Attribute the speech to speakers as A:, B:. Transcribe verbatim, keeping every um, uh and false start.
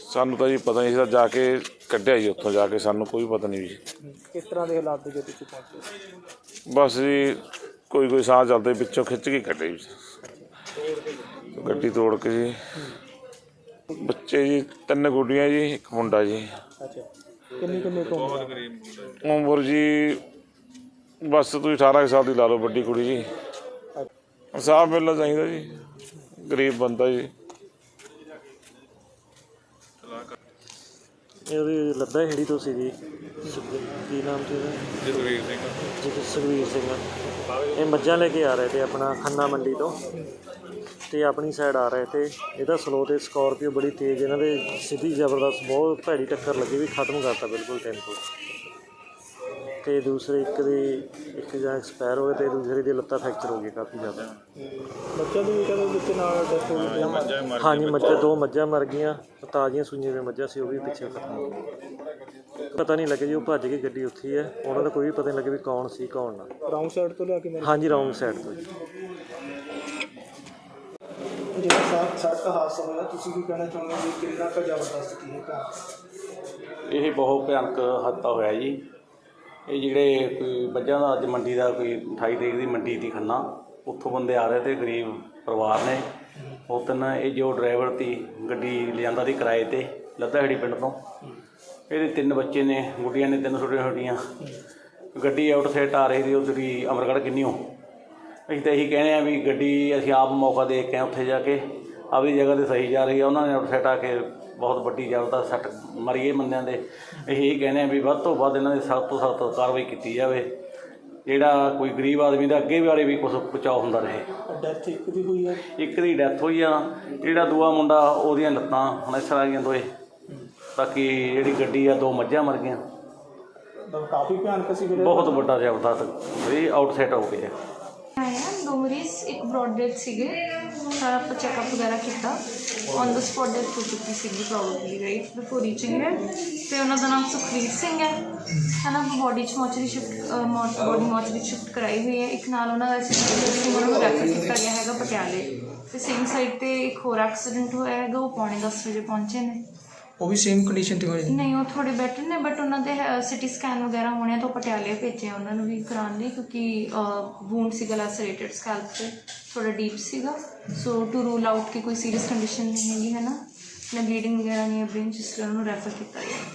A: ਸਾਨੂੰ ਤਾਂ ਜੀ ਪਤਾ ਨਹੀਂ ਸੀ, ਜਾ ਕੇ ਕੱਢਿਆ ਜੀ ਉੱਥੋਂ ਜਾ ਕੇ, ਸਾਨੂੰ ਕੋਈ ਪਤਾ ਨਹੀਂ ਜੀ
B: ਕਿਸ ਤਰ੍ਹਾਂ ਦੇ ਹਾਲਾਤ ਦੇ ਵਿੱਚ ਪਹੁੰਚੇ।
A: ਬਸ ਜੀ ਕੋਈ ਕੋਈ ਸਾਹ ਚੱਲਦੇ ਪਿੱਛੋਂ ਖਿੱਚ ਕੇ ਕੱਢੇ ਜੀ ਗੱਡੀ ਤੋੜ ਕੇ ਜੀ। ਬੱਚੇ ਜੀ ਤਿੰਨ ਗੁੱਡੀਆਂ ਜੀ, ਇੱਕ ਮੁੰਡਾ ਜੀ।
B: ਅੱਛਾ, ਕਿੰਨੀ ਕਿੰਨੀ ਤੋਂ
A: ਉਮਰ ਜੀ ਬਸ ਤੁਸੀਂ ਅਠਾਰਾਂ ਸਾਲ ਦੀ ਲਾ ਲਓ ਵੱਡੀ ਕੁੜੀ ਜੀ। ਇਨਸਾਫ ਮਿਲਣਾ ਚਾਹੀਦਾ ਜੀ, ਗਰੀਬ ਬੰਦਾ ਜੀ।
B: ਇਹਦੀ ਲੱਦਾ ਹੇੜੀ ਤੋਂ ਸੀ ਜੀ, ਕੀ ਨਾਮ ਸੀ ਉਹਦਾ?
A: ਜਸਵੀਰ ਸਿੰਘ।
B: ਜੀ ਸੁਖਵੀਰ ਸਿੰਘ। ਇਹ ਮੱਝਾਂ ਲੈ ਕੇ ਆ ਰਹੇ ਤੇ ਆਪਣਾ ਖੰਨਾ ਮੰਡੀ ਤੋਂ, ਤੇ ਆਪਣੀ ਸਾਈਡ ਆ ਰਹੇ ਤੇ ਇਹਦਾ ਸਲੋ ਤੇ ਸਕਾਰਪੀਓ ਬੜੀ ਤੇਜ਼ ਇਹਨਾਂ ਦੇ ਸਿੱਧੀ ਜ਼ਬਰਦਸਤ ਬਹੁਤ ਭੈੜੀ ਟੱਕਰ ਲੱਗੀ ਵੀ ਖਤਮ ਕਰਤਾ ਬਿਲਕੁਲ ਟੈਂਪੂ। ਤੇ ਦੂਸਰੇ ਇੱਕ ਦੀ ਇੱਕ ਜਾਂ ਐਕਸਪਾਇਰ ਹੋ ਗਏ ਤੇ ਦੂਸਰੇ ਦੀ ਲੱਤਾਂ ਫ੍ਰੈਕਚਰ ਹੋ ਗਈ ਕਾਫੀ ਜ਼ਿਆਦਾ। ਮੱਝਾਂ ਦੀ ਕਹਿੰਦੇ ਵਿੱਚ ਨਾਲ ਡੈਥ ਹੋ ਗਈ। ਹਾਂਜੀ, ਮੱਝਾਂ ਦੋ ਮੱਝਾਂ ਮਰ ਗਈਆਂ, ਤਾਜ਼ੀਆਂ ਸੂਈਆਂ ਦੀਆਂ ਮੱਝਾਂ ਸੀ, ਉਹ ਵੀ ਪਿੱਛੇ ਖਤਮ ਹੋ ਗਈਆਂ। ਪਤਾ ਨਹੀਂ ਲੱਗਿਆ ਜੀ, ਉਹ ਭੱਜ ਕੇ ਗੱਡੀ ਉੱਥੇ ਹੀ ਹੈ, ਉਹਨਾਂ ਦਾ ਕੋਈ ਵੀ ਪਤਾ ਨਹੀਂ ਲੱਗਿਆ ਵੀ ਕੌਣ ਸੀ ਕੌਣ ਨਾ। ਰੌਂਗ ਸਾਈਡ ਤੋਂ ਲਿਆ ਕੇ? ਹਾਂਜੀ, ਰੌਂਗ ਸਾਈਡ ਤੋਂ ਜੀ। ਜਿਹੜਾ ਸੜਕ ਹਾਦਸਾ ਹੋਇਆ, ਤੁਸੀਂ ਕੀ ਕਹਿਣਾ ਚਾਹੁੰਦੇ ਹੋ ਵੀ ਕਿੰਨਾ ਕੁ ਜ਼ਬਰਦਸਤ ਸੀ ਇਹ?
C: ਇਹ ਬਹੁਤ ਭਿਆਨਕ ਹਾਦਸਾ ਹੋਇਆ ਜੀ। ਇਹ ਜਿਹੜੇ ਕੋਈ ਮੱਝਾਂ ਦਾ ਅੱਜ ਮੰਡੀ ਦਾ ਕੋਈ ਅਠਾਈ ਤਰੀਕ ਦੀ ਮੰਡੀ ਦੀ ਖੰਨਾ, ਉੱਥੋਂ ਬੰਦੇ ਆ ਰਹੇ ਤੇ ਗਰੀਬ ਪਰਿਵਾਰ ਨੇ ਉਹ ਤਿੰਨ, ਇਹ ਜੋ ਡਰਾਈਵਰ ਤੀ ਗੱਡੀ ਲਿਜਾਂਦਾ ਸੀ ਕਿਰਾਏ 'ਤੇ ਲੱਦਾਹੇੜੀ ਪਿੰਡ ਤੋਂ, ਇਹਦੇ ਤਿੰਨ ਬੱਚੇ ਨੇ, ਗੁੱਡੀਆਂ ਨੇ ਤਿੰਨ ਛੋਟੀਆਂ ਛੋਟੀਆਂ। ਗੱਡੀ ਆਊਟ ਸਾਈਡ ਆ ਰਹੀ ਸੀ ਉੱਧਰੀ ਅਮਰਗੜ੍ਹ ਕਿੰਨੀਓ। ਅਸੀਂ ਤਾਂ ਇਹੀ ਕਹਿੰਦੇ ਹਾਂ ਵੀ ਗੱਡੀ ਅਸੀਂ ਆਪ ਮੌਕਾ ਦੇਖ ਕੇ ਆਏ ਉੱਥੇ ਜਾ ਕੇ, ਆਪਣੀ ਜਗ੍ਹਾ 'ਤੇ ਸਹੀ ਜਾ ਰਹੀ ਆ, ਉਹਨਾਂ ਨੇ ਆਊਟ ਸਾਈਡ ਆ ਕੇ ਬਹੁਤ ਵੱਡੀ ਜ਼ਬਰਦਸਤ ਸੱਟ ਮਾਰੀ ਇਹ ਬੰਦਿਆਂ ਦੇ। ਅਸੀਂ ਇਹ ਕਹਿੰਦੇ ਹਾਂ ਵੀ ਵੱਧ ਤੋਂ ਵੱਧ ਇਹਨਾਂ ਦੀ ਸਖਤ ਤੋਂ ਸਖਤ ਕਾਰਵਾਈ ਕੀਤੀ ਜਾਵੇ, ਜਿਹੜਾ ਕੋਈ ਗਰੀਬ ਆਦਮੀ ਦਾ ਅੱਗੇ ਬਾਰੇ ਵੀ ਕੁਛ ਬਚਾਅ ਹੁੰਦਾ ਰਹੇ।
B: ਡੈਥ ਇੱਕ ਦੀ ਹੋਈ ਹੈ? ਇੱਕ
C: ਦੀ ਡੈਥ ਹੋਈ ਆ। ਜਿਹੜਾ ਦੂਆ ਮੁੰਡਾ ਉਹਦੀਆਂ ਲੱਤਾਂ ਹਨੇਸਰ ਆ ਗਈਆਂ ਦੋਏ। ਬਾਕੀ ਜਿਹੜੀ ਗੱਡੀ ਆ ਦੋ ਮੱਝਾਂ ਮਰ ਗਈਆਂ।
B: ਕਾਫੀ ਭਿਆਨਕ ਸੀ,
C: ਬਹੁਤ ਵੱਡਾ ਜ਼ਬਰਦਸਤ ਇਹ ਆਊਟ ਸਾਈਡ ਹੋ ਗਿਆ।
D: ਦੋ ਮਰੀਜ਼, ਇੱਕ ਬਰੋਡ ਡੈਥ ਸੀਗੇ, ਸਾਰਾ ਆਪਾਂ ਚੈੱਕਅਪ ਵਗੈਰਾ ਕੀਤਾ, ਔਨ ਦਾ ਸਪੋਟ ਡੈਥ ਹੋ ਚੁੱਕੀ ਸੀਗੀ ਪ੍ਰੋਬੇਬਲੀ ਰਾਈਟ ਬਿਫੋਰ ਰੀਚਿੰਗ ਹੈ। ਅਤੇ ਉਹਨਾਂ ਦਾ ਨਾਮ ਸੁਖਵੀਰ ਸਿੰਘ ਹੈ ਹੈ ਨਾ। ਬੋਡੀ 'ਚ mortuary shift body mortuary shift ਕਰਾਈ ਹੋਈ ਹੈ। ਇੱਕ ਨਾਲ ਉਹਨਾਂ ਦਾ ਐਕਸੀਡੈਂਟ ਉਹਨਾਂ ਨੂੰ ਰੈਫਰ ਕੀਤਾ ਗਿਆ ਹੈਗਾ ਪਟਿਆਲੇ। ਅਤੇ ਸੇਮ ਸਾਈਡ 'ਤੇ ਇੱਕ ਹੋਰ ਐਕਸੀਡੈਂਟ ਹੋਇਆ ਹੈਗਾ, ਉਹ ਪੌਣੇ ਦਸ ਵਜੇ ਪਹੁੰਚੇ ਨੇ।
B: ਉਹ ਵੀ ਸੇਮ ਕੰਡੀਸ਼ਨ 'ਤੇ ਹੋਏ? ਨਹੀਂ,
D: ਉਹ ਥੋੜ੍ਹੇ ਬੈਟਰ ਨੇ, ਬਟ ਉਹਨਾਂ ਦੇ ਸਿਟੀ ਸਕੈਨ ਵਗੈਰਾ ਹੋਣੇ ਤੋਂ ਪਟਿਆਲੇ ਭੇਜੇ ਉਹਨਾਂ ਨੂੰ ਵੀ ਕਰਾਉਣ ਲਈ, ਕਿਉਂਕਿ ਵੂੰਡ ਸੀਗਾ ਲੈਸਰੇਟਡ ਸਕੈਲਪ 'ਤੇ, ਥੋੜ੍ਹਾ ਡੀਪ ਸੀਗਾ। ਸੋ ਟੂ ਰੂਲ ਆਊਟ ਕਿ ਕੋਈ ਸੀਰੀਅਸ ਕੰਡੀਸ਼ਨ ਨਹੀਂ ਹੈਗੀ ਹੈ ਨਾ, ਨਾ ਬਲੀਡਿੰਗ ਵਗੈਰਾ ਨਹੀਂ ਹੈ ਬ੍ਰੇਨ, ਜਿਸ ਲਈ ਉਹਨੂੰ ਰੈਫਰ ਕੀਤਾ ਗਿਆ।